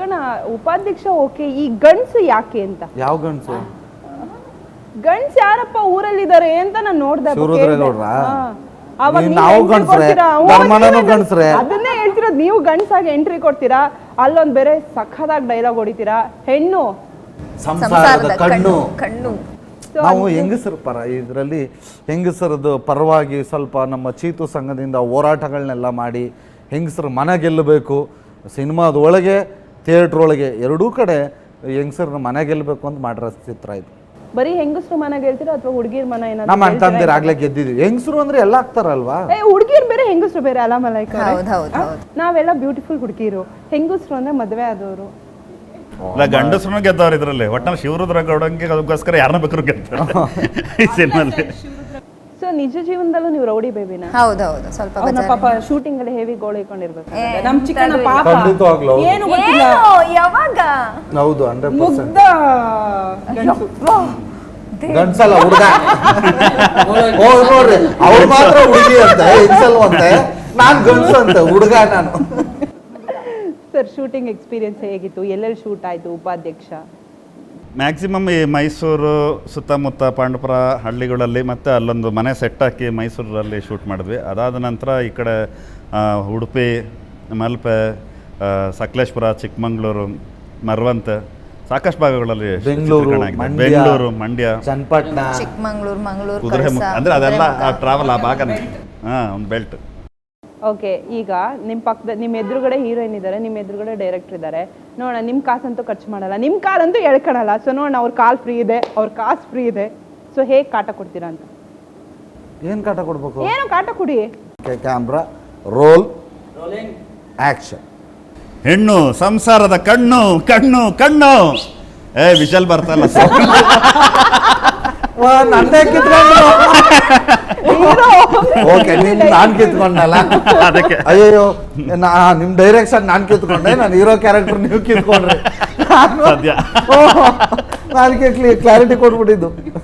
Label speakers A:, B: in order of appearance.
A: ಚಿಕ್ಕಣ್ಣ ಉಪಾಧ್ಯಕ್ಷ ಓಕೆ, ಈ ಗಂಡ್ಸು ಯಾಕೆ ಅಂತ?
B: ಯಾವ ಗಂಡ್ಸು?
A: ಗಂಡ್ಸ್ ಯಾರಪ್ಪ ಊರಲ್ಲಿದ್ದಾರೆ ಅಂತ ನಾನು ನೋಡ್ದೆ. ಅದನ್ನೇ ಹೇಳ್ತಿರೋದು, ನೀವು ಗಂಡ್ಸಾಗಿ ಎಂಟ್ರಿ ಕೊಡ್ತೀರಾ, ಅಲ್ಲೊಂದ್ ಬೇರೆ ಸಖತ್ತಾಗಿ ಡೈಲಾಗ್ ಹೊಡಿತೀರಾ, ಹೆಣ್ಣು
B: ಸಂಸಾರದ ಕಣ್ಣು. ನಾವು ಹೆಂಗಸರ ಪರ, ಇದರಲ್ಲಿ ಹೆಂಗಸರದ್ದು ಪರವಾಗಿ ಸ್ವಲ್ಪ ನಮ್ಮ ಚೀತು ಸಂಘದಿಂದ ಹೋರಾಟಗಳನ್ನೆಲ್ಲ ಮಾಡಿ ಹೆಂಗಸರು ಮನೆ ಗೆಲ್ಲಬೇಕು, ಸಿನಿಮಾದ ಒಳಗೆ ಥಿಯೇಟ್ರ್ ಒಳಗೆ ಎರಡೂ ಕಡೆ ಹೆಂಗಸರನ್ನ ಮನೆ ಗೆಲ್ಲಬೇಕು ಅಂತ ಮಾಡಿರೋ ಚಿತ್ರ ಇದು.
A: ಬರೀ ಹೆಂಗಸರು ಮನೆ ಗೆಲ್ತೀರಾ ಅಥವಾ ಹುಡುಗಿರ್ ಮನೆ?
B: ನಮ್ಮ ಅಣ್ಣ ತಂದಿರ ಆಗ್ಲೇ ಗೆದ್ದಿದ್ವಿ. ಹೆಂಗಸರು ಅಂದ್ರೆ ಎಲ್ಲ ಆಗ್ತಾರಲ್ವಾ?
A: ಹುಡುಗಿರ್ ಬೇರೆ ಹೆಂಗಸರು ಬೇರೆ ಅಲ್ಲ ಮಲೈಕ. ನಾವೆಲ್ಲ ಬ್ಯೂಟಿಫುಲ್ ಹುಡುಗಿರು, ಹೆಂಗಸರು ಅಂದ್ರೆ ಮದ್ವೆ ಆದವರು.
C: ಗಂಡಸ್ರು ಗೆದ್ದವ್ರು ಇದ್ರಲ್ಲಿ. ಒಟ್ನಲ್ಲಿ ಶಿವರುದ್ರ ಗೌಡಂಗೆ ಅದಕ್ಕೋಸ್ಕರ ಯಾರನ್ನ ಬೇಕಾದ್ರು ಗೆಲ್ತಾರೆ ಈ ಸಿನಿಮಾದಲ್ಲಿ.
A: ಸೊ ನಿಜ ಜೀವನದಲ್ಲೂ ನೀವು ರೌಡಿ ಬೇಬಿನ?
D: ಹೌದೌದು, ಸ್ವಲ್ಪ
A: ಪಾಪ ಶೂಟಿಂಗ್ ಅಲ್ಲಿ ಹೆವಿ ಗೋಳಿಕೊಂಡಿರ್ಬೇಕು. ನಮ್ ಚಿಕ್ಕಣ್ಣ ಪಾಪ ಏನು ಗೊತ್ತಿಲ್ಲ,
D: ಯಾವಾಗ
B: ಹೌದು 100%
A: ಮುಗ್ಧ
B: ಗಂಡ್ಸಲ್ಲ ಹುಡುಗ. ನೋಡ್ರಿ ಅವ್ರು ಮಾತ್ರ ಹುಡುಗಿ ಅಂತ ಹೆಂಗಸಲ್ವಂತೆ, ನಾನ್ ಗಂಡ್ಸು ಅಂತ ಹುಡುಗ ನಾನು.
A: ಸರ್ ಶೂಟಿಂಗ್ ಎಕ್ಸ್ಪೀರಿಯನ್ಸ್ ಹೇಗಿತ್ತು? ಎಲ್ಲೆಲ್ಲಿ ಶೂಟ್ ಆಯ್ತು ಉಪಾಧ್ಯಕ್ಷ?
C: ಮ್ಯಾಕ್ಸಿಮಮ್ ಈ ಮೈಸೂರು ಸುತ್ತಮುತ್ತ ಪಾಂಡವಪುರ ಹಳ್ಳಿಗಳಲ್ಲಿ ಮತ್ತು ಅಲ್ಲೊಂದು ಮನೆ ಸೆಟ್ ಹಾಕಿ ಮೈಸೂರಲ್ಲಿ ಶೂಟ್ ಮಾಡಿದ್ವಿ. ಅದಾದ ನಂತರ ಈ ಕಡೆ ಉಡುಪಿ, ಮಲ್ಪೆ, ಸಕಲೇಶ್ಪುರ, ಚಿಕ್ಕಮಂಗ್ಳೂರು, ಮರವಂತೆ ಸಾಕಷ್ಟು ಭಾಗಗಳಲ್ಲಿ ಬೆಂಗಳೂರು, ಮಂಡ್ಯ,
B: ಚನ್ನಪಟ್ಟಣ,
D: ಚಿಕ್ಕಮಂಗ್ಳೂರು, ಮಂಗಳೂರು,
C: ಕುದುರೆಮುಖ, ಅಂದರೆ ಅದೆಲ್ಲ ಟ್ರಾವೆಲ್ ಆ ಭಾಗ. ಒಂದು ಬೆಲ್ಟ್.
A: ಓಕೆ, ಈಗ ನಿಮ್ಮ ಪಕ್ಕದ ನಿಮ್ಮ ಎದುರುಗಡೆ ಹೀರೋಯಿನ್ ಇದ್ದಾರೆ, ನಿಮ್ಮ ಎದುರುಗಡೆ ಡೈರೆಕ್ಟರ್ ಇದ್ದಾರೆ. ನೋಡೋಣ, ನಿಮ್ಮ ಕಾಸಂತೂ ಖರ್ಚು ಮಾಡಲ್ಲ, ನಿಮ್ಮ ಕಾಲಂತೂ ಎಳ್ಕೊಳಲ್ಲ. ಸೊ ನೋಡೋಣ, ಅವ್ರ ಕಾಲ್ ಫ್ರೀ ಇದೆ, ಅವ್ರ ಕಾಸು ಫ್ರೀ ಇದೆ. ಸೊ ಹೇಗೆ ಕಾಟ ಕೊಡ್ತೀರಾ ಅಂತ?
B: ಏನು ಕಾಟ ಕೊಡ್ಬೇಕು?
A: ಏನೋ ಕಾಟ ಕೊಡಿ.
B: Camera roll, action.
C: ಹೆಣ್ಣು ಸಂಸಾರದ ಕಣ್ಣು ಕಣ್ಣು ಕಣ್ಣು. ವಿಷಲ್ ಬರ್ತಲ್ಲ
B: ನಂದೇ ಕಿತ್ಕೊಂಡ್ರು. ಓಕೆ, ನಾನ್ ಕಿತ್ಕೊಂಡಲ್ಲ
C: ಅದಕ್ಕೆ.
B: ಅಯ್ಯೋ, ನಿಮ್ ಡೈರೆಕ್ಷನ್ ನಾನ್ ಕಿತ್ಕೊಂಡೆ, ನಾನು ಹೀರೋ ಕ್ಯಾರೆಕ್ಟರ್ ನೀವು ಕಿತ್ಕೊಂಡ್ರೆ.
C: ಸದ್ಯ
B: ಅದಕ್ಕೆ ಕ್ಲಾರಿಟಿ ಕೊಟ್ಬಿಟ್ಟಿದ್ದು.